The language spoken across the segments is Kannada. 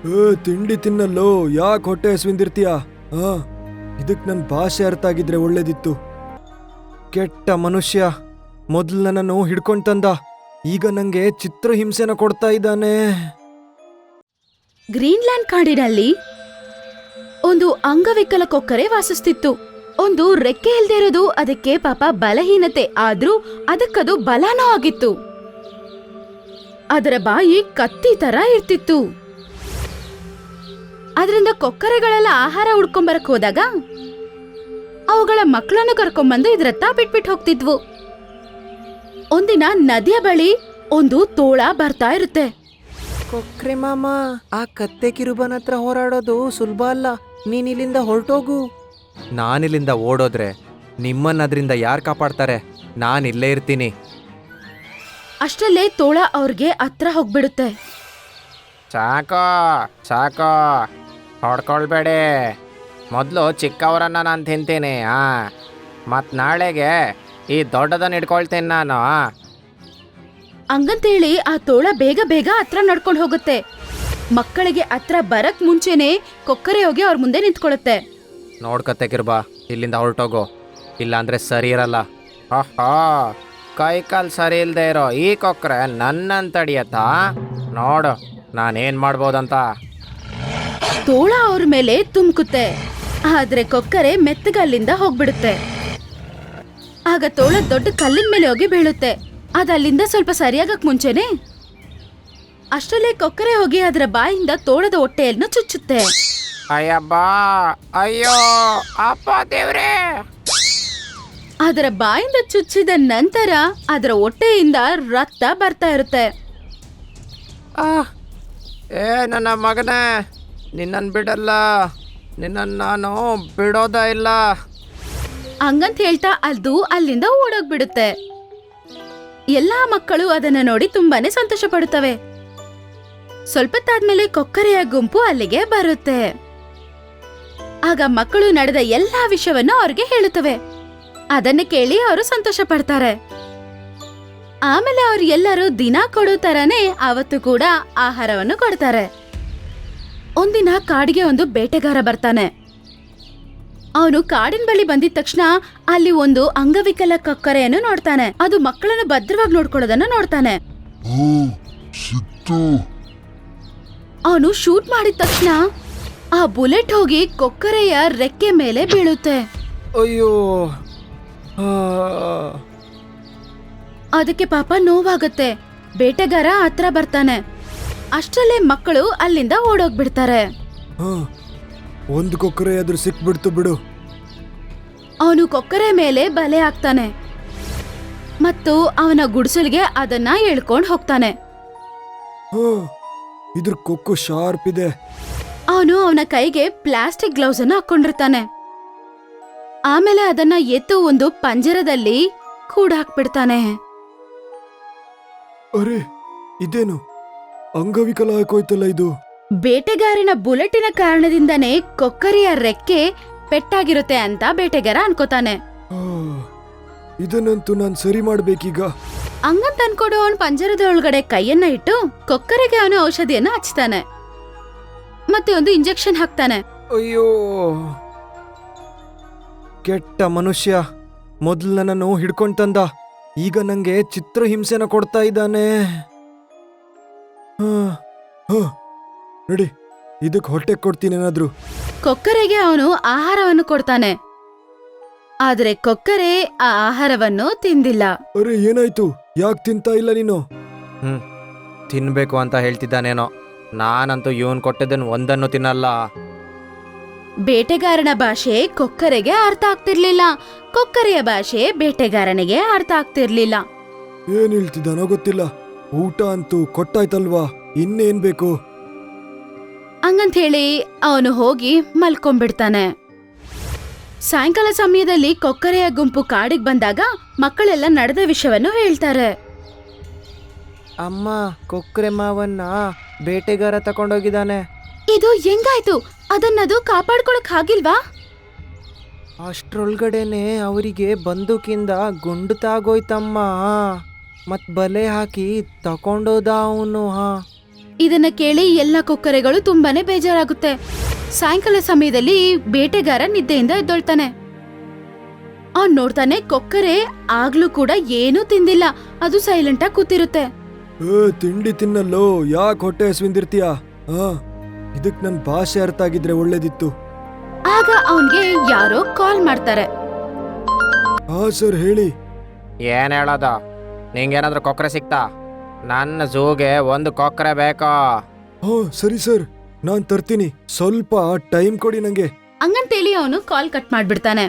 ತಿಂಡಿ ತಿನ್ನಲ್ಲೋ, ಯಾಕೆ ಹೊಟ್ಟೆ ಹಸ್ವಿಂದಿರ್ತೀಯ? ಇದಕ್ ನನ್ ಭಾಷೆ ಅರ್ಥ ಆಗಿದ್ರೆ ಒಳ್ಳೇದಿತ್ತು. ಕೆಟ್ಟ ಮನುಷ್ಯ, ಮೊದ್ಲು ನನ್ನನ್ನು ಹಿಡ್ಕೊಂಡ್ ತಂದ, ಈಗ ನಂಗೆ ಚಿತ್ರಹಿಂಸೆನ ಕೊಡ್ತಾ ಇದ್ದಾನೆ. ಗ್ರೀನ್ಲ್ಯಾಂಡ್ ಕಾಡಿನಲ್ಲಿ ಒಂದು ಅಂಗವಿಕಲ ಕೊಕ್ಕರೆ ವಾಸಿಸ್ತಿತ್ತು. ಒಂದು ರೆಕ್ಕೆ ಇಲ್ದೇ ಇರೋದು ಅದಕ್ಕೆ ಪಾಪ ಬಲಹೀನತೆ, ಆದ್ರೂ ಅದಕ್ಕದು ಬಲನೂ ಆಗಿತ್ತು. ಅದರ ಬಾಯಿ ಕತ್ತಿ ತರ ಇರ್ತಿತ್ತು. ಅದರಿಂದ ಕೊಕ್ಕರೆಗಳೆಲ್ಲ ಆಹಾರ ಹುಡ್ಕೊಂಬರಕ್ ಹೋದಾಗ ಅವುಗಳ ಮಕ್ಕಳನ್ನು ಕರ್ಕೊಂಬಂದು ಇದ್ರತ್ತ ಬಿಟ್ಬಿಟ್ಟು ಹೋಗ್ತಿದ್ವು. ಒಂದಿನ ನದಿಯ ಬಳಿ ಒಂದು ತೋಳ ಬರ್ತಾ ಇರುತ್ತೆ. ಕೊಕ್ರೆ ಮಾಮ, ಆ ಕತ್ತೆ ಕಿರುಬನ ಹತ್ರ ಹೋರಾಡೋದು ಸುಲಭ ಅಲ್ಲ. ನೀನಿಲ್ಲಿಂದ ಹೊರಟೋಗು. ನಾನಿಲ್ಲಿಂದ ಓಡೋದ್ರೆ ನಿಮ್ಮನ್ನ ಅದರಿಂದ ಯಾರು ಕಾಪಾಡ್ತಾರೆ? ನಾನಿಲ್ಲೇ ಇರ್ತೀನಿ. ಅಷ್ಟರಲ್ಲೇ ತೋಳ ಅವ್ರಿಗೆ ಹತ್ರ ಹೋಗ್ಬಿಡುತ್ತೆ. ಸಾಕೋ ಸಾಕೋ, ಹೊಡ್ಕೊಳ್ಬೇಡಿ. ಮೊದಲು ಚಿಕ್ಕವರನ್ನ ನಾನು ತಿಂತೀನಿ. ಮತ್ತು ನಾಳೆಗೆ ಈ ದೊಡ್ಡದನ್ನ ಇಟ್ಕೊಳ್ತೀನಿ ನಾನು. ಹಂಗಂತೇಳಿ ಆ ತೋಳ ಬೇಗ ಬೇಗ ಹತ್ರ ನಡ್ಕೊಂಡು ಹೋಗುತ್ತೆ. ಮಕ್ಕಳಿಗೆ ಹತ್ರ ಬರಕ್ ಮುಂಚೆನೆ ಕೊಕ್ಕರೆ ಹೋಗಿ ಅವ್ರ ಮುಂದೆ ನಿಂತ್ಕೊಳ್ಳುತ್ತೆ. ನೋಡ್ಕತ್ತೆ ಕಿರ್ಬಾ, ಇಲ್ಲಿಂದ ಹೊರಟೋಗು, ಇಲ್ಲಾಂದ್ರೆ ಸರಿ ಇರಲ್ಲ. ಕೈ ಕಾಲು ಸರಿ ಇಲ್ಲದೆ ಇರೋ ಈ ಕೊಕ್ಕರೆ ನನ್ನನ್ನು ತಡಿಯತ್ತಾ? ನೋಡು ನಾನೇನು ಮಾಡ್ಬೋದಂತ. ತೋಳ ಅವ್ರ ಮೇಲೆ ತುಮ್ಕುತ್ತೆ, ಆದ್ರೆ ಕೊಕ್ಕರೆ ಮೆತ್ತಗಲ್ಲಿಂದ ಹೋಗ್ಬಿಡುತ್ತೆ. ಆಗ ತೋಳ ದೊಡ್ಡ ಕಲ್ಲಿನ ಮೇಲೆ ಹೋಗಿ ಬೀಳುತ್ತೆ. ಅದಲ್ಲಿಂದ ಸ್ವಲ್ಪ ಸರಿಯಾಗಕ್ ಮುಂಚೆನೆ ಅಷ್ಟರಲ್ಲೇ ಕೊಕ್ಕರೆ ಹೋಗಿ ಅದರ ಬಾಯಿಂದ ತೋಳದ ಹೊಟ್ಟೆಯನ್ನು ಚುಚ್ಚುತ್ತೆ. ಅಯ್ಯಬ್ಬಾ, ಅಯ್ಯೋ ಅಪ್ಪ ದೇವ್ರೇ! ಅದರ ಬಾಯಿಂದ ಚುಚ್ಚಿದ ನಂತರ ಅದರ ಹೊಟ್ಟೆಯಿಂದ ರಕ್ತ ಬರ್ತಾ ಇರುತ್ತೆ. ಏ ನನ್ನ ಮಗನೇ, ನಿನ್ನನ್ನು ಬಿಡಲ್ಲ, ನಿನ್ನನ್ನು ನಾನು ಬಿಡೋದ ಇಲ್ಲ. ಹಂಗಂತ ಹೇಳ್ತಾ ಅದು ಅಲ್ಲಿಂದ ಓಡೋಗ್ಬಿಡುತ್ತೆ. ಎಲ್ಲಾ ಮಕ್ಕಳು ಅದನ್ನ ನೋಡಿ ತುಂಬಾನೇ ಸಂತೋಷ ಪಡುತ್ತವೆ. ಸ್ವಲ್ಪತ್ತಾದ್ಮೇಲೆ ಕೊಕ್ಕರೆಯ ಗುಂಪು ಅಲ್ಲಿಗೆ ಬರುತ್ತೆ. ಆಗ ಮಕ್ಕಳು ನಡೆದ ಎಲ್ಲಾ ವಿಷಯವನ್ನು ಅವ್ರಿಗೆ ಹೇಳುತ್ತವೆ. ಅದನ್ನ ಕೇಳಿ ಅವರು ಸಂತೋಷ ಪಡ್ತಾರೆ. ಆಮೇಲೆ ಅವ್ರು ಎಲ್ಲರೂ ದಿನ ಕೊಡೋ ತರನೇ ಅವತ್ತು ಕೂಡ ಆಹಾರವನ್ನು ಕೊಡ್ತಾರೆ. ಒಂದಿನ ಕಾಡಿಗೆ ಒಂದು ಬೇಟೆಗಾರ ಬರ್ತಾನೆ. ಅವನು ಕಾಡಿನ ಬಳಿ ಬಂದಿದ ತಕ್ಷಣ ಅಲ್ಲಿ ಒಂದು ಅಂಗವಿಕಲ ಕೊಕ್ಕರೆಯನ್ನು ನೋಡ್ತಾನೆ. ಅದು ಮಕ್ಕಳನ್ನು ಭದ್ರವಾಗಿ ನೋಡ್ಕೊಳ್ಳೋದನ್ನ ನೋಡ್ತಾನೆ. ಅವನು ಶೂಟ್ ಮಾಡಿದ ತಕ್ಷಣ ಆ ಬುಲೆಟ್ ಹೋಗಿ ಕೊಕ್ಕರೆಯ ರೆಕ್ಕೆ ಮೇಲೆ ಬೀಳುತ್ತೆ. ಅಯ್ಯೋ, ಅದಕ್ಕೆ ಪಾಪ ನೋವಾಗುತ್ತೆ. ಬೇಟೆಗಾರ ಹತ್ರ ಬರ್ತಾನೆ. ಅಷ್ಟರಲ್ಲೇ ಮಕ್ಕಳು ಅಲ್ಲಿಂದ ಓಡೋಗ್ಬಿಡ್ತಾರೆ. ಒಂದು ಕೊಕ್ಕರೆ ಆದ್ರೂ ಸಿಕ್ಬಿಡ್ತು ಬಿಡು. ಅವನು ಕೊಕ್ಕರೆ ಮೇಲೆ ಬಲೆ ಹಾಕ್ತಾನೆ ಮತ್ತು ಅವನ ಗುಡಿಸಲಿಗೆ ಅದನ್ನ ಎಳ್ಕೊಂಡು ಹೋಗ್ತಾನೆ. ಇದ್ರ ಕೊಕ್ಕು ಶಾರ್ಪ್ ಇದೆ. ಅವನು ಅವನ ಕೈಗೆ ಪ್ಲಾಸ್ಟಿಕ್ ಗ್ಲೌಸ್ ಅನ್ನು ಹಾಕೊಂಡಿರ್ತಾನೆ. ಆಮೇಲೆ ಅದನ್ನ ಎತ್ತು ಒಂದು ಪಂಜರದಲ್ಲಿ ಕೂಡ ಹಾಕ್ಬಿಡ್ತಾನೆ. ಅರೆ, ಇದೇನು ಅಂಗವಿಕಲ ಹಾಕೋಯ್ತಲ್ಲ ಇದು. ಬೇಟೆಗಾರನ ಬುಲೆಟಿನ ಕಾರಣದಿಂದನೇ ಕೊಕ್ಕರೆಯ ರೆಕ್ಕೆ ಪೆಟ್ಟಾಗಿರುತ್ತೆ ಅಂತ ಬೇಟೆಗಾರ ಅನ್ಕೋತಾನೆ. ಇದನ್ನಂತೂ ನಾನು ಸರಿ ಮಾಡ್ಬೇಕೀಗ. ಹಂಗಂತ ಅನ್ಕೊಂಡು ಅವನ್ ಪಂಜರದ ಒಳಗಡೆ ಕೈಯನ್ನ ಇಟ್ಟು ಕೊಕ್ಕರೆಗೆ ಅವನು ಔಷಧಿಯನ್ನ ಹಚ್ತಾನೆ ಮತ್ತೆ ಒಂದು ಇಂಜೆಕ್ಷನ್ ಹಾಕ್ತಾನೆ. ಅಯ್ಯೋ, ಕೆಟ್ಟ ಮನುಷ್ಯ, ಮೊದ್ಲು ನನ್ನನ್ನು ಹಿಡ್ಕೊಂಡ್ ತಂದ, ಈಗ ನಂಗೆ ಚಿತ್ರಹಿಂಸೆನ ಕೊಡ್ತಾ ಇದ್ದಾನೆ. ನಡಿ, ಇದಕ್ ಹೊಟ್ಟೆ ಕೊಡ್ತೀನಿ ಏನಾದ್ರು. ಕೊಕ್ಕರೆಗೆ ಅವನು ಆಹಾರವನ್ನು ಕೊಡ್ತಾನೆ, ಆದ್ರೆ ಕೊಕ್ಕರೆ ಆ ಆಹಾರವನ್ನು ತಿಂದಿಲ್ಲ. ಅರೆ, ಏನಾಯ್ತು? ಯಾಕೆ ತಿಂತಾ ಇಲ್ಲ ನೀನು? ತಿನ್ಬೇಕು ಅಂತ ಹೇಳ್ತಿದ್ದಾನೇನೋ. ನಾನಂತೂ ಇವನ್ ಕೊಟ್ಟಿದ್ದನ್ ಒಂದನ್ನು ತಿನ್ನಲ್ಲ. ಬೇಟೆಗಾರನ ಭಾಷೆ ಕೊಕ್ಕರೆಗೆ ಅರ್ಥ ಆಗ್ತಿರ್ಲಿಲ್ಲ, ಕೊಕ್ಕರೆಯ ಭಾಷೆ ಬೇಟೆಗಾರನಿಗೆ ಅರ್ಥ ಆಗ್ತಿರ್ಲಿಲ್ಲ. ಏನ್ ಹೇಳ್ತಿದ್ದಾನೋ ಗೊತ್ತಿಲ್ಲ. ಊಟ ಅಂತೂ ಕೊಟ್ಟಾಯ್ತಲ್ವಾ, ಇನ್ನೇನ್ ಬೇಕು? ಹಂಗಂತ ಹೇಳಿ ಅವನು ಹೋಗಿ ಮಲ್ಕೊಂಡ್ಬಿಡ್ತಾನೆ. ಸಾಯಂಕಾಲ ಸಮಯದಲ್ಲಿ ಕೊಕ್ಕರೆಯ ಗುಂಪು ಕಾಡಿಗೆ ಬಂದಾಗ ಮಕ್ಕಳೆಲ್ಲ ನಡೆದ ವಿಷಯವನ್ನು ಹೇಳ್ತಾರೆ. ಅಮ್ಮ, ಕೊಕ್ಕರೆ ಮಾವನ್ನ ಬೇಟೆಗಾರ ತಕೊಂಡೋಗಿದ್ದಾನೆ. ಇದು ಹೆಂಗಾಯ್ತು? ಅದನ್ನದು ಕಾಪಾಡ್ಕೊಳಕ್ ಆಗಿಲ್ವಾ? ಅಷ್ಟ್ರೊಳಗಡೆನೆ ಅವರಿಗೆ ಬಂದೂಕಿಂದ ಗುಂಡು ತಾಗೋಯ್ತಮ್ಮ. ಮತ್ ಬಲೆ ಹಾಕಿ ತಕೊಂಡೋದ ಅವನು. ಇದನ್ನ ಕೇಳಿ ಎಲ್ಲ ಕೊಕ್ಕರೆಗಳು ತುಂಬಾನೇ ಬೇಜಾರಾಗುತ್ತೆ. ಸಾಯಂಕಾಲ ಸಮಯದಲ್ಲಿ ಬೇಟೆಗಾರ ನಿದ್ದೆಯಿಂದ ಎದ್ದೊಳ್ತಾನೆ. ಅವ್ನ್ ನೋಡ್ತಾನೆ ಕೊಕ್ಕರೆ ಆಗ್ಲೂ ಕೂಡ ಏನೂ ತಿಂದಿಲ್ಲ, ಅದು ಸೈಲೆಂಟ್ ಆಗಿ ಕೂತಿರುತ್ತೆ. ತಿಂಡಿ ತಿನ್ನಲ್ಲೋ, ಯಾಕೆ ಹೊಟ್ಟೆ ಹಸ್ವಿಂದಿರ್ತೀಯ? ಇದಕ್ ನನ್ ಭಾಷೆ ಅರ್ಥ ಆಗಿದ್ರೆ ಒಳ್ಳೇದಿತ್ತು. ಆಗ ಅವನ್ಗೆ ಯಾರೋ ಕಾಲ್ ಮಾಡ್ತಾರೆ. ಸರ್ ಹೇಳಿ. ಏನ್ ಹೇಳೋದು? ನಿಂಗೇನಾದ್ರೂ ಕೊಕ್ಕರೆ ಸಿಕ್ತಾ? ನನ್ನ ಝೂಗೆ ಒಂದು ಕೊಕ್ಕರೆ ಬೇಕೋ? ಸರಿ ಸರ್, ನಾನ್ ತರ್ತೀನಿ. ಸ್ವಲ್ಪ ಟೈಮ್ ಕೊಡಿ ನಂಗೆ. ಹಂಗಂತೇಳಿ ಅವನು ಕಾಲ್ ಕಟ್ ಮಾಡ್ಬಿಡ್ತಾನೆ.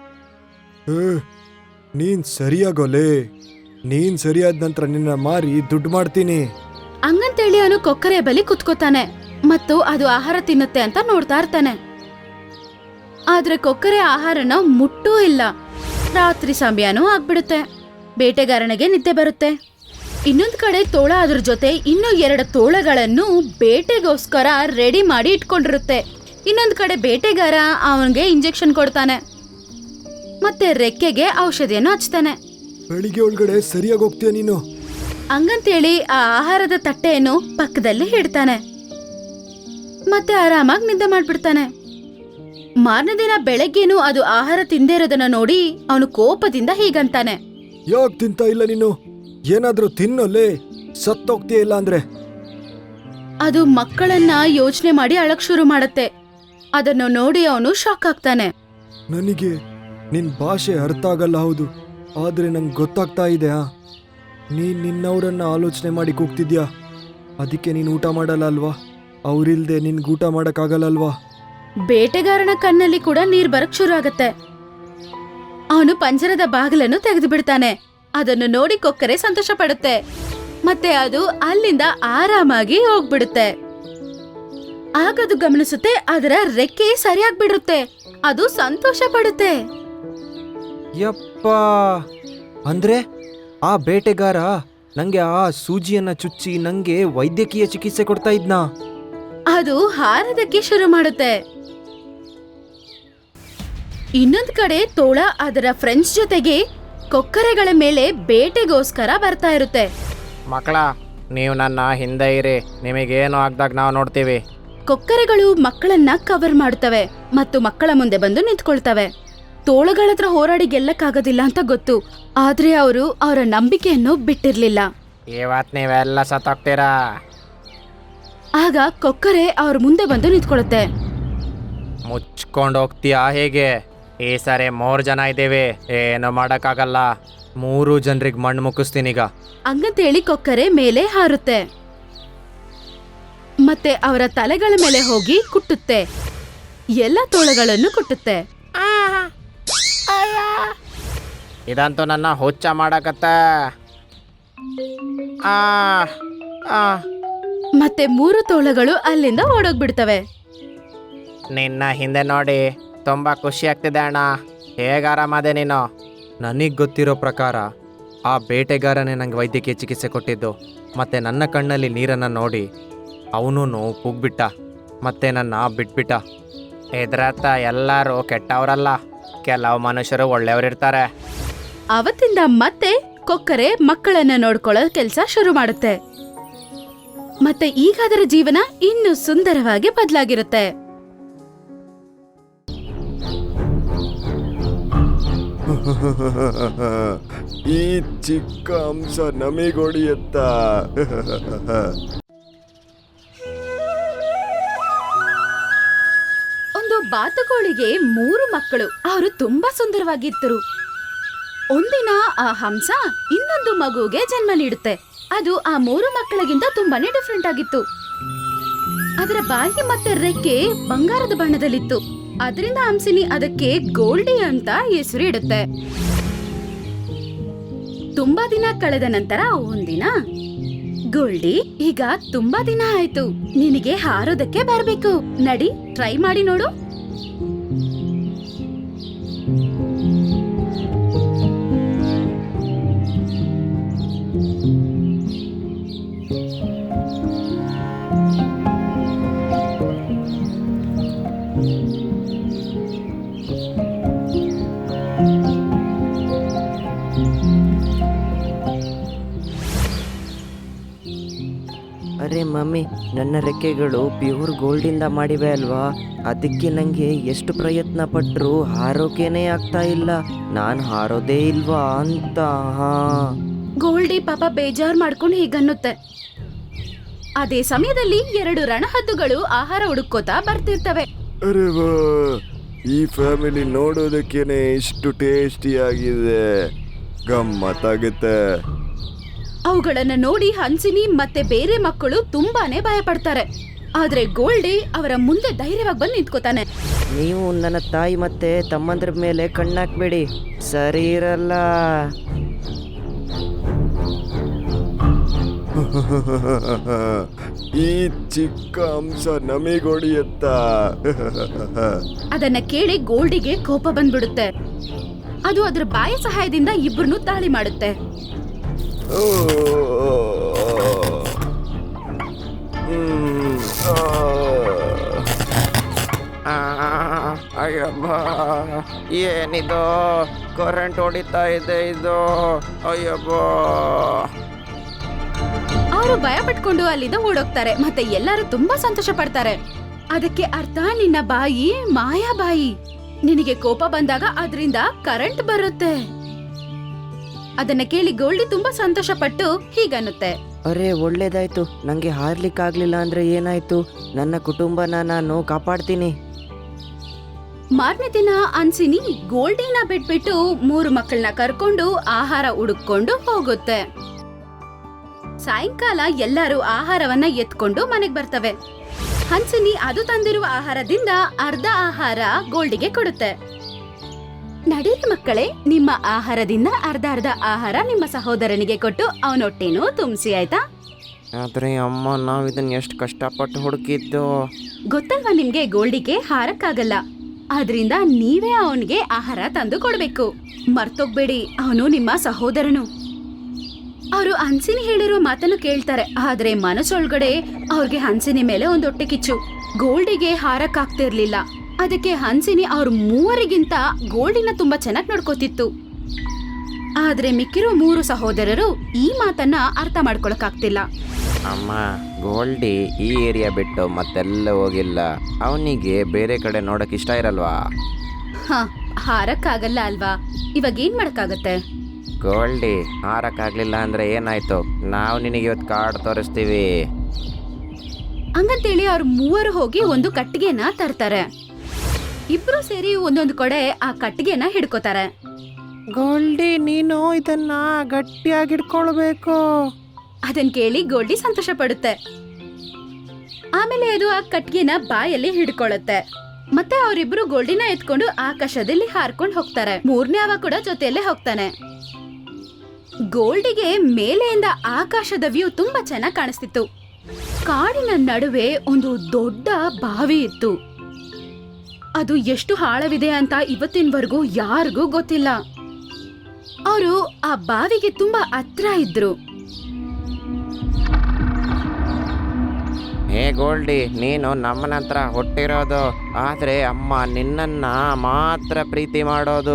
ನೀನ್ ಸರಿಯಾಗೋಲೆ. ನೀನ್ ಸರಿಯಾದ ನಂತರ ನಿನ್ನ ಮಾರಿ ದುಡ್ಡು ಮಾಡ್ತೀನಿ. ಹಂಗಂತೇಳಿ ಅವನು ಕೊಕ್ಕರೆ ಬಳಿ ಕುತ್ಕೋತಾನೆ ಮತ್ತು ಅದು ಆಹಾರ ತಿನ್ನುತ್ತೆ ಅಂತ ನೋಡ್ತಾ ಇರ್ತಾನೆ. ಆದ್ರೆ ಕೊಕ್ಕರೆ ಆಹಾರನ ಮುಟ್ಟೂ ಇಲ್ಲ. ರಾತ್ರಿ ಸಮಯನೂ ಆಗ್ಬಿಡುತ್ತೆ. ಬೇಟೆಗಾರನಿಗೆ ನಿದ್ದೆ ಬರುತ್ತೆ. ಇನ್ನೊಂದ್ ಕಡೆ ತೋಳ ಅದ್ರ ಜೊತೆ ಇನ್ನೂ 2 ತೋಳಗಳನ್ನು ಬೇಟೆಗೋಸ್ಕರ ರೆಡಿ ಮಾಡಿ ಇಟ್ಕೊಂಡಿರುತ್ತೆ. ಇನ್ನೊಂದ್ ಕಡೆ ಬೇಟೆಗಾರ ಅವನಿಗೆ ಇಂಜೆಕ್ಷನ್ ಕೊಡ್ತಾನೆ ಮತ್ತೆ ರೆಕ್ಕೆಗೆ ಔಷಧಿಯನ್ನು ಹಚ್ತಾನೆ. ಬೆಳಿಗ್ಗೆ ಒಳಗಡೆ ಸರಿಯಾಗಿ ಹೋಗ್ತೀಯ ನೀನು. ಹಂಗಂತೇಳಿ ಆ ಆಹಾರದ ತಟ್ಟೆಯನ್ನು ಪಕ್ಕದಲ್ಲಿ ಇಡ್ತಾನೆ ಮತ್ತೆ ಆರಾಮಾಗಿ ನಿದ್ದೆ ಮಾಡ್ಬಿಡ್ತಾನೆ. ಮಾರನೇ ದಿನ ಬೆಳಗ್ಗೆನೂ ಅದು ಆಹಾರ ತಿಂದೇ ಇರೋದನ್ನ ನೋಡಿ ಅವನು ಕೋಪದಿಂದ ಹೀಗಂತಾನೆ. ಯಾಕೆ ತಿಂತಾ ಇಲ್ಲ ನೀನು? ಏನಾದ್ರೂ ತಿನ್ನೋಲ್ಲೇ, ಸತ್ತೋಗ್ತೀಯ ಇಲ್ಲ ಅಂದ್ರೆ. ಅದು ಮಕ್ಕಳನ್ನ ಯೋಚನೆ ಮಾಡಿ ಅಳಕ್ ಶುರು ಮಾಡತ್ತೆ. ಅದನ್ನು ನೋಡಿ ಅವನು ಶಾಕ್ ಆಗ್ತಾನೆ. ನನಗೆ ನಿನ್ ಭಾಷೆ ಅರ್ಥ ಆಗಲ್ಲ, ಹೌದು, ಆದ್ರೆ ನಂಗೆ ಗೊತ್ತಾಗ್ತಾ ಇದೆ. ನೀನ್ ನಿನ್ನವರನ್ನ ಆಲೋಚನೆ ಮಾಡಿ ಕೂಗ್ತಿದ್ಯಾ, ಅದಕ್ಕೆ ನೀನ್ ಊಟ ಮಾಡಲ್ಲ ಅಲ್ವಾ? ಅವ್ರಿಲ್ದೆ ನಿನ್ಗೆ ಊಟ ಮಾಡಕ್ಕಾಗಲ್ಲ ಅಲ್ವಾ? ಬೇಟೆಗಾರನ ಕಣ್ಣಲ್ಲಿ ಕೂಡ ನೀರ್ ಬರಕ್ ಶುರು ಆಗತ್ತೆ. ಅವನು ಪಂಜರದ ಬಾಗಿಲನ್ನು ತೆಗೆದು ಬಿಡ್ತಾನೆ. ಅದನ್ನು ನೋಡಿ ಕೊಕ್ಕರೆ ಸಂತೋಷ ಪಡುತ್ತೆ ಮತ್ತೆ ಅದು ಅಲ್ಲಿಂದ ಆರಾಮಾಗಿ ಹೋಗ್ಬಿಡುತ್ತೆ. ಆಗದು ಗಮನಿಸುತ್ತೆ, ಅದರ ರೆಕ್ಕೆ ಸರಿಯಾಗ್ಬಿಡುತ್ತೆ. ಅದು ಸಂತೋಷ ಪಡುತ್ತೆ. ಯಪ್ಪ, ಅಂದ್ರೆ ಆ ಬೇಟೆಗಾರ ನಂಗೆ ಆ ಸೂಜಿಯನ್ನ ಚುಚ್ಚಿ ನಂಗೆ ವೈದ್ಯಕೀಯ ಚಿಕಿತ್ಸೆ ಕೊಡ್ತಾ ಇದ್ನಾ? ಅದು ಹಾರದಕ್ಕೆ ಶುರು ಮಾಡುತ್ತೆ. ಇನ್ನೊಂದ್ ಕಡೆ ತೋಳ ಅದರ ಫ್ರೆಂಡ್ಸ್ ಜೊತೆಗೆ ಕೊಕ್ಕರೆಗಳ ಮೇಲೆ ಬೇಟೆಗೋಸ್ಕರ ಬರ್ತಾ ಇರುತ್ತೆ. ಮಕ್ಕಳ, ನೀವು ನನ್ನ ಹಿಂದೆ ಇರಿ, ನಿಮಗೇನು ಆಗ್ದಾಗ ನಾವು ನೋಡ್ತೀವಿ. ಕೊಕ್ಕರೆಗಳು ಮಕ್ಕಳನ್ನ ಕವರ್ ಮಾಡುತ್ತವೆ ಮತ್ತು ಮಕ್ಕಳ ಮುಂದೆ ಬಂದು ನಿಂತ್ಕೊಳ್ತವೆ. ತೋಳಗಳ ಹತ್ರ ಹೋರಾಡಿ ಗೆಲ್ಲಕ್ಕಾಗೋದಿಲ್ಲ ಅಂತ ಗೊತ್ತು, ಆದ್ರೆ ಅವರು ಅವರ ನಂಬಿಕೆಯನ್ನು ಬಿಟ್ಟಿರ್ಲಿಲ್ಲ. ಇವತ್ತು ನೀವೆಲ್ಲ ಸತ್ತೋಗ್ತೀರಾ. ಆಗ ಕೊಕ್ಕರೆ ಅವ್ರ ಮುಂದೆ ಬಂದು ನಿಂತ್ಕೊಳ್ಳುತ್ತೆ. ಮುಚ್ಕೊಂಡು ಹೋಗ್ತೀಯಾ ಹೇಗೆ? ಈ ಸರಿ 3 ಜನ ಇದ್ದೀವಿ, ಏನು ಮಾಡೋಕ್ಕಾಗಲ್ಲ. 3 ಜನರಿಗೆ ಮಣ್ಣು ಮುಕ್ಕಿಸ್ತೀನೀಗ. ಹಂಗಂತೇಳಿ ಕೊಕ್ಕರೆ ಮೇಲೆ ಹಾರುತ್ತೆ ಮತ್ತೆ ಅವರ ತಲೆಗಳ ಮೇಲೆ ಹೋಗಿ ಕುಟ್ಟುತ್ತೆ. ಎಲ್ಲ ತೋಳಗಳನ್ನು ಕುಟ್ಟುತ್ತೆ. ಇದಂತೂ ನನ್ನ ಹುಚ್ಚ ಮಾಡಕತ್ತ. ಮತ್ತೆ 3 ತೋಳಗಳು ಅಲ್ಲಿಂದ ಓಡೋಗ್ಬಿಡ್ತವೆ. ನಿನ್ನ ಹಿಂದೆ ನೋಡಿ ತುಂಬಾ ಖುಷಿ ಆಗ್ತಿದೆ ಅಣ್ಣ. ಹೇಗೆ ಆರಾಮದೆ ನೀನು? ನನಗೆ ಗೊತ್ತಿರೋ ಪ್ರಕಾರ ಆ ಬೇಟೆಗಾರನೇ ನಂಗೆ ವೈದ್ಯಕೀಯ ಚಿಕಿತ್ಸೆ ಕೊಟ್ಟಿದ್ದು. ಮತ್ತೆ ನನ್ನ ಕಣ್ಣಲ್ಲಿ ನೀರನ್ನು ನೋಡಿ ಅವನೂ ಕುಗ್ಬಿಟ್ಟ ಮತ್ತೆ ನನ್ನ ಬಿಟ್ಬಿಟ್ಟ. ಇದ್ರತ್ತ ಎಲ್ಲರೂ ಕೆಟ್ಟವರಲ್ಲ, ಕೆಲವು ಮನುಷ್ಯರು ಒಳ್ಳೆಯವರಿರ್ತಾರೆ. ಅವತ್ತಿಂದ ಮತ್ತೆ ಕೊಕ್ಕರೆ ಮಕ್ಕಳನ್ನ ನೋಡ್ಕೊಳ್ಳೋ ಕೆಲಸ ಶುರು ಮಾಡುತ್ತೆ. ಮತ್ತೆ ಈಗ ಅದರ ಜೀವನ ಇನ್ನೂ ಸುಂದರವಾಗಿ ಬದಲಾಗಿರುತ್ತೆ. ಈ ಚಿಕ್ಕ ಅಂಶ ನಮಿಗೊಡಿಯತ್ತ. ಒಂದು ಬಾತುಕೋಳಿಗೆ 3 ಮಕ್ಕಳು. ಅವರು ತುಂಬಾ ಸುಂದರವಾಗಿದ್ದರು. ಒಂದಿನ ಆ ಹಂಸ ಇನ್ನೊಂದು ಮಗುಗೆ ಜನ್ಮ ನೀಡುತ್ತೆ. ಅದು ಆ 3 ಮಕ್ಕಳಿಗಿಂತ ತುಂಬಾನೇ ಡಿಫ್ರೆಂಟ್ ಆಗಿತ್ತು. ಅದರ ಬಾಯಿ ಮತ್ತೆ ರೆಕ್ಕೆ ಬಂಗಾರದ ಬಣ್ಣದಲ್ಲಿತ್ತು. ಅದರಿಂದ ಹಂಸಿನಿ ಅದಕ್ಕೆ ಗೋಲ್ಡಿ ಅಂತ ಹೆಸರು ಇಡುತ್ತೆ. ತುಂಬಾ ದಿನ ಕಳೆದ ನಂತರ ಒಂದಿನ, ಗೋಲ್ಡಿ, ಈಗ ತುಂಬಾ ದಿನ ಆಯ್ತು, ನಿನಗೆ ಹಾರೋದಕ್ಕೆ ಬರ್ಬೇಕು, ನಡಿ ಟ್ರೈ ಮಾಡಿ ನೋಡು. ಅರೆ ಮಮ್ಮಿ, ನನ್ನ ರೆಕ್ಕೆಗಳು ಪ್ಯೂರ್ ಗೋಲ್ಡಿಂದ ಮಾಡಿವೆ ಅಲ್ವಾ, ಅದಕ್ಕೆ ನನಗೆ ಎಷ್ಟು ಪ್ರಯತ್ನ ಪಟ್ಟರೂ ಹಾರೋಕೇನೆ ಆಗ್ತಾ ಇಲ್ಲ. ನಾನು ಹಾರೋದೇ ಇಲ್ವಾ ಅಂತ. ಗೋಲ್ಡಿ ಪಾಪ ಬೇಜಾರ್ ಮಾಡ್ಕೊಂಡು ಹೀಗನ್ನುತ್ತೆ. ಅದೇ ಸಮಯದಲ್ಲಿ 2 ರಣಹದ್ದುಗಳು ಆಹಾರ ಹುಡುಕೋತಾ ಬರ್ತಿರ್ತವೆ. ಅರೆ ವಾ, ಈ ಫ್ಯಾಮಿಲಿ ನೋಡೋದಕ್ಕೇನೆ ಇಷ್ಟು ಟೇಸ್ಟಿಯಾಗಿದೆ, ಗಮ್ಮತ್ತಾಗುತ್ತೆ. ಅವುಗಳನ್ನ ನೋಡಿ ಹನ್ಸಿನಿ ಮತ್ತೆ ಬೇರೆ ಮಕ್ಕಳು ತುಂಬಾನೇ ಭಯ ಪಡ್ತಾರೆ. ಆದ್ರೆ ಗೋಲ್ಡಿ ಅವರ ಮುಂದೆ ಧೈರ್ಯವಾಗಿ ಬಂದು ನಿಂತ್ಕೋತಾನೆ. ನೀವು ನನ್ನ ತಾಯಿ ಮತ್ತೆ ತಮ್ಮಂದ್ರ ಮೇಲೆ ಕಣ್ಣಾಕ್ಬೇಡಿ, ಸರಿ ಇರಲ್ಲ. ಈ ಚಿಕ್ಕ ಅಂಶ ನಮಿಗೊಡಿಯತ್ತ. ಅದನ್ನ ಕೇಳಿ ಗೋಲ್ಡಿಗೆ ಕೋಪ ಬಂದ್ಬಿಡುತ್ತೆ. ಅದು ಅದರ ಬಾಯ ಸಹಾಯದಿಂದ ಇಬ್ಬರನ್ನು ತಾಳಿ ಮಾಡುತ್ತೆ. ಓ, ಅಯ್ಯಬ್ಬ, ಏನಿದು ಕರೆಂಟ್ ಹೊಡಿತಾ ಇದೆ ಇದು. ಅಯ್ಯಬ್ಬ. ಅವರು ಭಯ ಪಟ್ಕೊಂಡು ಅಲ್ಲಿಂದ ಓಡೋಗ್ತಾರೆ. ಮತ್ತೆ ಎಲ್ಲರೂ ತುಂಬಾ ಸಂತೋಷ ಪಡ್ತಾರೆ. ಅದಕ್ಕೆ ಅರ್ಥ ನಿನ್ನ ಬಾಯಿ ಮಾಯಾ ಬಾಯಿ. ನಿನಗೆ ಕೋಪ ಬಂದಾಗ ಅದರಿಂದ ಕರೆಂಟ್ ಬರುತ್ತೆ. ಅದನ್ನ ಕೇಳಿ ಗೋಲ್ಡಿ ತುಂಬಾ ಸಂತೋಷ ಪಟ್ಟು ಹೀಗನ್ನುತ್ತೆ. ಅರೆ ಒಳ್ಳೇದಾಯ್ತು, ನನಗೆ ಹಾರ್ಲಿಕ್ಕಾಗ್ಲಿಲ್ಲ ಅಂದ್ರೆ ಏನಾಯ್ತು, ನನ್ನ ಕುಟುಂಬನ ನಾನು ಕಾಪಾಡ್ತೀನಿ. ಮಾರನೇ ದಿನ ಹನ್ಸಿನಿ ಗೋಲ್ಡಿನ ಬಿಟ್ಬಿಟ್ಟು 3 ಮಕ್ಕಳನ್ನ ಕರ್ಕೊಂಡು ಆಹಾರ ಹುಡುಕೊಂಡು ಹೋಗುತ್ತೆ. ಸಾಯಂಕಾಲ ಎಲ್ಲರೂ ಆಹಾರವನ್ನ ಎತ್ಕೊಂಡು ಮನೆಗ್ ಬರ್ತವೆ. ಹನ್ಸಿನಿ ಅದು ತಂದಿರುವ ಆಹಾರದಿಂದ ಅರ್ಧ ಆಹಾರ ಗೋಲ್ಡಿಗೆ ಕೊಡುತ್ತೆ. ನಡೀರಿ ಮಕ್ಕಳೇ, ನಿಮ್ಮ ಆಹಾರದಿಂದ ಅರ್ಧ ಆಹಾರ ನಿಮ್ಮ ಸಹೋದರನಿಗೆ ಕೊಟ್ಟು ಅವನೊಟ್ಟೆನೂ ತುಂಬಿಸಿ, ಆಯ್ತಾ? ಆದ್ರೆ ಅಮ್ಮ, ನಾವ್ ಇದನ್ನ ಎಷ್ಟು ಕಷ್ಟಪಟ್ಟು ಹುಡುಕಿದ್ದು. ಗೊತ್ತಲ್ವಾ ನಿಮ್ಗೆ, ಗೋಲ್ಡಿಗೆ ಹಾರಕ್ಕಾಗಲ್ಲ. ಆದ್ರಿಂದ ನೀವೇ ಅವನಿಗೆ ಆಹಾರ ತಂದು ಕೊಡ್ಬೇಕು. ಮರ್ತೋಗ್ಬೇಡಿ, ಅವನು ನಿಮ್ಮ ಸಹೋದರನು. ಅವರು ಹನ್ಸಿನಿ ಹೇಳಿರೋ ಮಾತನ್ನು ಕೇಳ್ತಾರೆ. ಆದ್ರೆ ಮನಸ್ಸೊಳಗಡೆ ಅವ್ರಿಗೆ ಹನ್ಸಿನಿ ಮೇಲೆ ಒಂದು ಹೊಟ್ಟೆ ಕಿಚ್ಚು. ಗೋಲ್ಡಿಗೆ ಹಾರಕ್ಕಾಗ್ತಿರ್ಲಿಲ್ಲ. ಅದಕ್ಕೆ ಹನ್ಸಿನಿ ಅವ್ರ 3ಗಿಂತ ಗೋಲ್ಡಿನ ತುಂಬಾ ಚೆನ್ನಾಗಿ ನೋಡ್ಕೋತಿತ್ತು. ಆದ್ರೆ ಮಿಕ್ಕಿರೋ 3 ಸಹೋದರರು ಈ ಮಾತನ್ನ ಅರ್ಥ ಮಾಡ್ಕೊಳಕ್ಕಾಗ್ತಿಲ್ಲ. ಅಮ್ಮ, ಗೋಲ್ಡಿ ಈ ಏರಿಯಾ ಬಿಟ್ಟು ಮತ್ತೆಲ್ಲ ಹೋಗಿಲ್ಲ. ಅವನಿಗೆ ಬೇರೆ ಕಡೆ ನೋಡಕ್ ಇಷ್ಟ ಇರಲ್ವಾ? ಹಾರಕ್ಕಾಗಲ್ಲ ಅಲ್ವಾ, ಇವಾಗ ಏನ್ ಮಾಡಕ್ಕಾಗತ್ತೆ? ಗೋಲ್ಡಿ ಹಾರಕ್ಕಾಗ್ಲಿಲ್ಲ ಅಂದ್ರೆ ಏನಾಯ್ತು, ನಾವು ನಿನಗೆ ಇವತ್ತು ಕಾರ್ಡ್ ತೋರಿಸ್ತೀವಿ. ಹಂಗಂತೇಳಿ ಅವ್ರ 3 ಹೋಗಿ ಒಂದು ಕಟ್ಟಿಗೆನ ತರ್ತಾರೆ. ಇಬ್ರು ಸೇರಿ ಒಂದೊಂದು ಕಡೆ ಆ ಕಟ್ಟಿಗೆನ ಹಿಡ್ಕೋತಾರೆ. ಗೋಲ್ಡಿ, ನೀನು ಇದನ್ನ ಗಟ್ಟಿಯಾಗಿ ಹಿಡ್ಕೊಳ್ಬೇಕು. ಅದನ್ ಕೇಳಿ ಗೋಲ್ಡಿ ಸಂತೋಷ ಪಡುತ್ತೆ. ಆಮೇಲೆ ಅದು ಆ ಕಟ್ಟಿಗೆನ ಬಾಯಲ್ಲಿ ಹಿಡ್ಕೊಳ್ಳುತ್ತೆ. ಮತ್ತೆ ಅವರಿಬ್ರು ಗೋಲ್ಡಿನ ಎತ್ಕೊಂಡು ಆಕಾಶದಲ್ಲಿ ಹಾರ್ಕೊಂಡು ಹೋಗ್ತಾರೆ. 3ನೇ ಅವ ಕೂಡ ಜೊತೆಯಲ್ಲೇ ಹೋಗ್ತಾನೆ. ಗೋಲ್ಡಿಗೆ ಮೇಲೆಯಿಂದ ಆಕಾಶದ ವ್ಯೂ ತುಂಬಾ ಚೆನ್ನಾಗಿ ಕಾಣಿಸ್ತಿತ್ತು. ಕಾಡಿನ ನಡುವೆ ಒಂದು ದೊಡ್ಡ ಬಾವಿ ಇತ್ತು. ಅದು ಎಷ್ಟು ಆಳವಿದೆ ಅಂತ ಇವತ್ತಿನವರೆಗೂ ಯಾರಿಗೂ ಗೊತ್ತಿಲ್ಲ. ಅವರು ಆ ಬಾವಿಗೆ ತುಂಬಾ ಹತ್ರ ಇದ್ರು. ಹೇ ಗೋಲ್ಡಿ, ನೀನು ನಮ್ಮನ ಹತ್ರ ಹುಟ್ಟಿರೋದು, ಆದ್ರೆ ಅಮ್ಮ ನಿನ್ನನ್ನ ಮಾತ್ರ ಪ್ರೀತಿ ಮಾಡೋದು.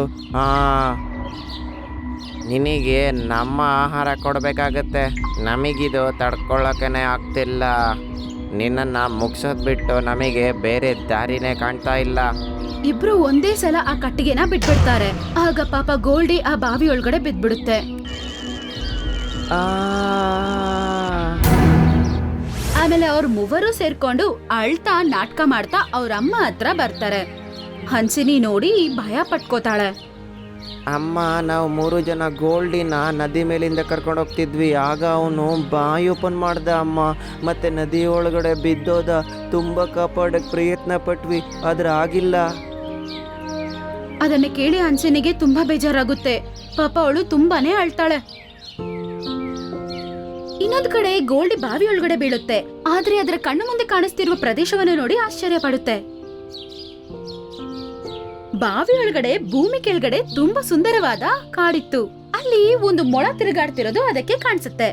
ನಿನಗೆ ನಮ್ಮ ಆಹಾರ ಕೊಡಬೇಕಾಗತ್ತೆ. ನಮಗಿದು ತಡ್ಕೊಳ್ಳೋಕೆ ಆಗ್ತಿಲ್ಲ. ನಿನ್ನನ್ನ ಮುಗ್ಸೋದ್ ಬಿಟ್ಟು ನಮಗೆ ಬೇರೆ ದಾರಿನೇ ಕಾಣ್ತಾ ಇಲ್ಲ. ಇಬ್ರು ಒಂದೇ ಸಲ ಆ ಕಟ್ಟಿಗೆನ ಬಿಟ್ಬಿಡ್ತಾರೆ. ಆಗ ಪಾಪ ಗೋಲ್ಡಿ ಆ ಬಾವಿ ಒಳಗಡೆ ಬಿದ್ಬಿಡುತ್ತೆ. ಆಮೇಲೆ ಅವ್ರ 3 ಸೇರ್ಕೊಂಡು ಅಳ್ತಾ ನಾಟಕ ಮಾಡ್ತಾ ಅವ್ರ ಅಮ್ಮ ಹತ್ರ ಬರ್ತಾರೆ. ಹನ್ಸಿನಿ ನೋಡಿ ಭಯ ಪಟ್ಕೋತಾಳೆ. ಅಮ್ಮ, ನಾವು 3 ಜನ ಗೋಲ್ಡಿನ ನದಿ ಮೇಲಿಂದ ಕರ್ಕೊಂಡು ಹೋಗ್ತಿದ್ವಿ. ಆಗ ಅವನು ಬಾಯಿ ಓಪನ್ ಮಾಡ್ದ ಅಮ್ಮ, ಮತ್ತೆ ನದಿ ಒಳಗಡೆ ಬಿದ್ದೋದ. ತುಂಬಾ ಕಾಪಾಡಕ್ ಪ್ರಯತ್ನ ಪಟ್ವಿ, ಆದ್ರೆ ಆಗಿಲ್ಲ. ಅದನ್ನ ಕೇಳಿ ಹನ್ಸಿನಿಗೆ ತುಂಬಾ ಬೇಜಾರಾಗುತ್ತೆ. ಪಾಪ ಅವಳು ತುಂಬಾನೇ ಅಳ್ತಾಳೆ. ಇನ್ನೊಂದ್ ಕಡೆ ಗೋಲ್ಡಿ ಬಾವಿ ಒಳಗಡೆ ಬೀಳುತ್ತೆ. ಆದ್ರೆ ಅದರ ಕಣ್ಣು ಮುಂದೆ ಕಾಣಿಸ್ತಿರುವ ಪ್ರದೇಶವನ್ನು ನೋಡಿ ಆಶ್ಚರ್ಯ ಪಡುತ್ತೆ. ಬಾವಿ ಒಳಗಡೆ ಭೂಮಿ ಕೆಳಗಡೆ ತುಂಬಾ ಸುಂದರವಾದ ಕಾಡಿತ್ತು. ಅಲ್ಲಿ ಒಂದು ಮೊಳ ತಿರುಗಾಡ್ತಿರೋದು ಅದಕ್ಕೆ ಕಾಣಿಸುತ್ತೆ.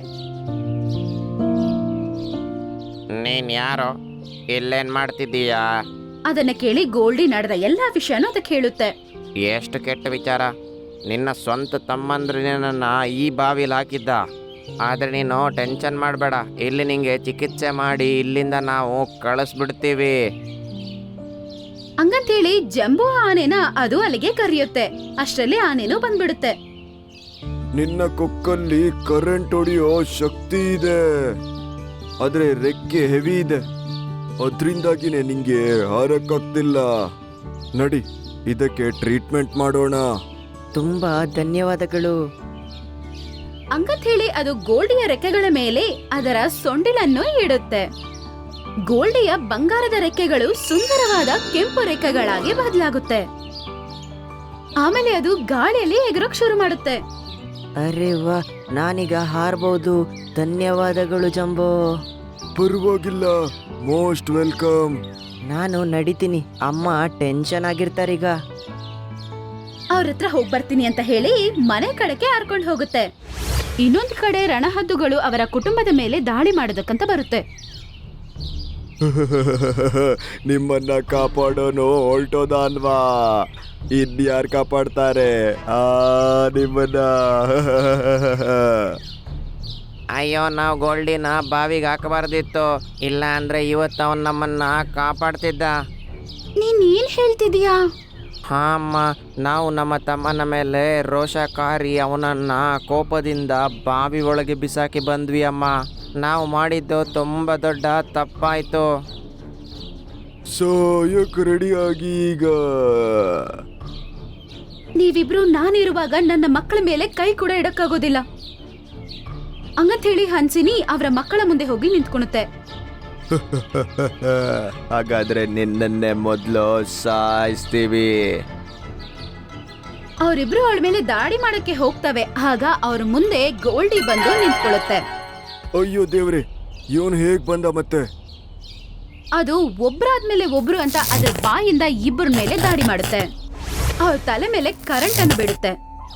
ನೀನ್ ಯಾರೋ, ಇಲ್ಲೇನ್ ಮಾಡ್ತಿದ್ದೀಯಾ? ಅದನ್ನ ಕೇಳಿ ಗೋಲ್ಡಿ ನಡೆದ ಎಲ್ಲಾ ವಿಷಯನೂ ಅದಕ್ಕೆ ಹೇಳುತ್ತೆ. ಎಷ್ಟು ಕೆಟ್ಟ ವಿಚಾರ. ನಿನ್ನ ಸ್ವಂತ ತಮ್ಮಂದ್ರೆ ನಿನ್ನ ಈ ಬಾವಿಲಿ ಹಾಕಿದ್ದ. ಆದರೆ ನೀನು ಟೆನ್ಷನ್ ಮಾಡಬೇಡ, ಇಲ್ಲಿ ನಿಂಗೆ ಚಿಕಿತ್ಸೆ ಮಾಡಿ ಇಲ್ಲಿಂದ ನಾವು ಕಳಿಸ್ಬಿಡ್ತೀವಿ. ಹಂಗಂತೇಳಿ ಜಂಬೂ ಆನೆನ ಅದು ಅಲ್ಲಿಗೆ ಕರೆಯುತ್ತೆ. ಅಷ್ಟರಲ್ಲಿ ಆನೆನೂ ಬಂದ್ಬಿಡುತ್ತೆ. ನಿನ್ನ ಕೊಕ್ಕಲ್ಲಿ ಕರೆಂಟ್ ಹೊಡೆಯೋ ಶಕ್ತಿ ಇದೆ, ಆದ್ರೆ ರೆಕ್ಕೆ ಹೆವಿ ಇದೆ, ಅದ್ರಿಂದಾಗಿನೇ ನಿಂಗೆ ಹಾರಕ್ಕಾಗ್ತಿಲ್ಲ. ನಡಿ, ಇದಕ್ಕೆ ಟ್ರೀಟ್ಮೆಂಟ್ ಮಾಡೋಣ. ತುಂಬಾ ಧನ್ಯವಾದಗಳು. ಹಂಗಂತೇಳಿ ಅದು ಗೋಲ್ಡಿಯ ರೆಕ್ಕೆಗಳ ಮೇಲೆ ಅದರ ಸೊಂಡಿಲನ್ನು ಇಡುತ್ತೆ. ಗೋಲ್ಡಿಯ ಬಂಗಾರದ ರೆಕ್ಕೆಗಳು ಸುಂದರವಾದ ಕೆಂಪು ರೆಕ್ಕೆಗಳಾಗಿ ಬದಲಾಗುತ್ತೆ. ಆಮೇಲೆ ಅದು ಗಾಳಿಯಲ್ಲಿ ಎಗರೋಕ್ ಶುರು ಮಾಡುತ್ತೆ. ಅರೆ ವಾ, ನಾನೀಗ ಹಾರ್ಬಹುದು. ಧನ್ಯವಾದಗಳು ಜಂಬೋ. ಪರವಾಗಿಲ್ಲ, ಮೋಸ್ಟ್ ವೆಲ್ಕಮ್. ನಾನು ನಡಿತೀನಿ, ಅಮ್ಮ ಟೆನ್ಷನ್ ಆಗಿರ್ತಾರೀಗ. ಅವ್ರ ಹತ್ರ ಹೋಗ್ ಬರ್ತೀನಿ ಅಂತ ಹೇಳಿ ಮನೆ ಕಡೆಗೆ ಹಾರ್ಕೊಂಡು ಹೋಗುತ್ತೆ. ಇನ್ನೊಂದ್ ಕಡೆ ರಣಹದ್ದುಗಳು ಅವರ ಕುಟುಂಬದ ಮೇಲೆ ದಾಳಿ ಮಾಡೋದಕ್ಕಂತ ಬರುತ್ತೆ. ನಿಮ್ಮನ್ನ ಕಾಪಾಡೋನು ಹೊರಟೋದ ಅಲ್ವಾ, ಇನ್ಯಾರು ಕಾಪಾಡ್ತಾರೆ ನಿಮ್ಮನ್ನ? ಅಯ್ಯೋ, ನಾವು ಗೋಲ್ಡಿನ ಬಾವಿಗೆ ಹಾಕಬಾರ್ದಿತ್ತು, ಇಲ್ಲ ಅಂದ್ರೆ ಇವತ್ತು ಅವನು ನಮ್ಮನ್ನ ಕಾಪಾಡ್ತಿದ್ದ. ನೀನ್ ಏನ್ ಹೇಳ್ತಿದೀಯಾ? ಹಾ ಅಮ್ಮ, ನಾವು ನಮ್ಮ ತಮ್ಮನ ಮೇಲೆ ರೋಷಕಾರಿ ಅವನನ್ನ ಕೋಪದಿಂದ ಬಾವಿ ಒಳಗೆ ಬಿಸಾಕಿ ಬಂದ್ವಿ ಅಮ್ಮ. ನಾವು ಮಾಡಿದ್ದು ತುಂಬ ದೊಡ್ಡ ತಪ್ಪಾಯ್ತು. ಸಾಯಕ್ ರೆಡಿಯಾಗಿ ಈಗ. ನೀವಿಬ್ರು ನಾನಿರುವಾಗ ನನ್ನ ಮಕ್ಕಳ ಮೇಲೆ ಕೈ ಕೂಡ ಇಡಕ್ಕಾಗೋದಿಲ್ಲ. ಹಂಗಂತ ಹೇಳಿ ಹನ್ಸಿನಿ ಅವರ ಮಕ್ಕಳ ಮುಂದೆ ಹೋಗಿ ನಿಂತ್ಕೊಳುತ್ತೆ. ಹಾಗಾದ್ರೆ ನಿನ್ನನ್ನೇ ಮೊದಲು ಸಾಯಿಸ್ತೀವಿ. ಅವರಿಬ್ರು ಅವಳ ಮೇಲೆ ದಾಳಿ ಮಾಡಕ್ಕೆ ಹೋಗ್ತವೆ. ಆಗ ಅವ್ರ ಮುಂದೆ ಗೋಲ್ಡಿ ಬಂದು ನಿಂತ್ಕೊಳ್ಳುತ್ತೆ. ಅಯ್ಯೋ ದೇವ್ರೆ, ಇವನು ಹೇಗ್ ಬಂದ ಮತ್ತೆ? ಅದು ಒಬ್ರಾದ್ಮೇಲೆ ಒಬ್ರು ಅಂತ ಅದ್ರ ಬಾಯಿಂದ ಇಬ್ಬರ ಮೇಲೆ ದಾಳಿ ಮಾಡುತ್ತೆ. ಅವ್ರ ತಲೆ ಮೇಲೆ ಕರೆಂಟ್ ಅನ್ನು ಬಿಡುತ್ತೆ.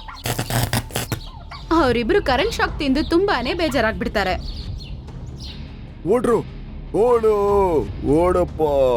ಅವರಿಬ್ರು ಕರೆಂಟ್ ಶಾಕ್ ತಿಂದು ತುಂಬಾನೇ ಬೇಜಾರಾಗ್ಬಿಡ್ತಾರೆ. ಓಡ್ರು, ಓಡಪ್ಪ,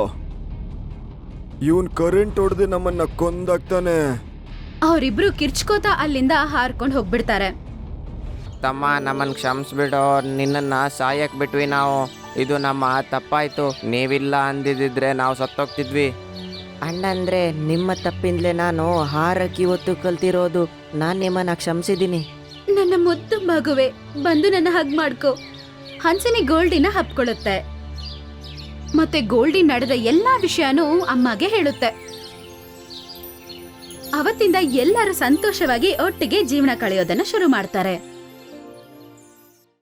ಇವನ್ ಕರೆಂಟ್ ಹೊಡೆದು ನಮ್ಮನ್ನ ಕೊಂದಾಗ್ತಾನೆ. ಅವರಿಬ್ರು ಕಿರ್ಚ್ಕೋತಾ ಅಲ್ಲಿಂದ ಹಾರ್ಕೊಂಡು ಹೋಗ್ಬಿಡ್ತಾರೆ. ತಮ್ಮ, ನಮ್ಮನ್ನು ಕ್ಷಮಿಸ್ಬಿಡೋ, ನಿನ್ನನ್ನು ಸಾಯಕ್ಕೆ ಬಿಟ್ವಿ ನಾವು. ಇದು ನಮ್ಮ ತಪ್ಪಾಯ್ತು. ನೀವಿಲ್ಲ ಅಂದಿದ್ರೆ ನಾವು ಸತ್ತೋಗ್ತಿದ್ವಿ. ಅಣ್ಣಂದ್ರೆ ನಿಮ್ಮ ತಪ್ಪಿಂದಲೇ ನಾನು ಹಾರಕ್ಕೆ ಇವತ್ತು ಕಲ್ತಿರೋದು. ನಾನು ನಿಮ್ಮನ್ನ ಕ್ಷಮಿಸಿದ್ದೀನಿ. ನನ್ನ ಮುದ್ದು ಮಗುವೆ, ಬಂದು ನನ್ನ ಹಗ್ ಮಾಡ್ಕೋ. ಹನ್ಸಿನಿ ಗೋಲ್ಡಿನ ಹಪ್ಕೊಳ್ಳುತ್ತೆ. ಮತ್ತೆ ಗೋಲ್ಡಿ ನಡೆದ ಎಲ್ಲಾ ವಿಷಯನೂ ಅಮ್ಮಗೆ ಹೇಳುತ್ತೆ. ಅವತ್ತಿಂದ ಎಲ್ಲರೂ ಸಂತೋಷವಾಗಿ ಒಟ್ಟಿಗೆ ಜೀವನ ಕಳೆಯೋದನ್ನ ಶುರು ಮಾಡ್ತಾರೆ.